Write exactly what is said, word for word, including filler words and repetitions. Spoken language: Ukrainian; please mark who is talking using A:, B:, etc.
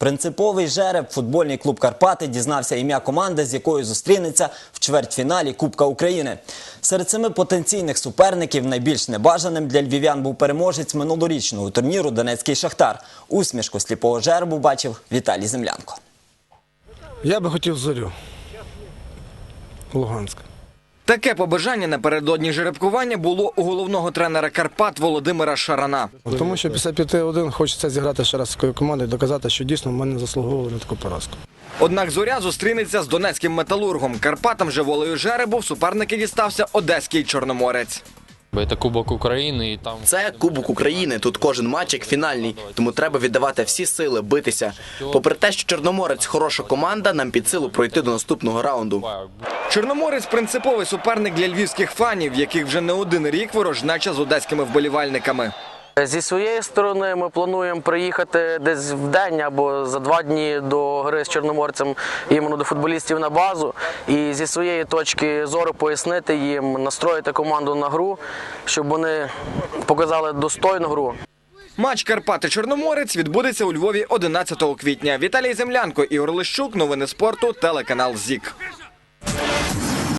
A: Принциповий жереб футбольний клуб «Карпати» дізнався ім'я команди, з якою зустрінеться в чвертьфіналі Кубка України. Серед семи потенційних суперників найбільш небажаним для львів'ян був переможець минулорічного турніру «Донецький Шахтар». Усмішку сліпого жеребу бачив Віталій Землянко.
B: Я би хотів «Зорю» Луганська.
C: Таке побажання напередодні жеребкування було у головного тренера «Карпат» Володимира Шарана.
B: Тому що після п'яти один хочеться зіграти ще раз з такою командою і доказати, що дійсно ми не заслуговували на таку поразку.
C: Однак «Зоря» зустрінеться з донецьким «Металургом». Карпатам же волею жеребу в суперники дістався одеський «Чорноморець».
D: Це Кубок України і там...
E: Це Кубок України, тут кожен матч як фінальний, тому треба віддавати всі сили, битися. Попри те, що Чорноморець хороша команда, нам під силу пройти до наступного раунду.
C: Чорноморець – принциповий суперник для львівських фанів, яких вже не один рік ворожнеча з одеськими вболівальниками.
F: Зі своєї сторони ми плануємо приїхати десь в день або за два дні до гри з Чорноморцем іменно до футболістів на базу. І зі своєї точки зору пояснити їм, настроїти команду на гру, щоб вони показали достойну гру.
C: Матч «Карпати-Чорноморець» відбудеться у Львові одинадцятого квітня. Віталій Землянко, Ігор Лищук, новини спорту, телеканал ЗІК.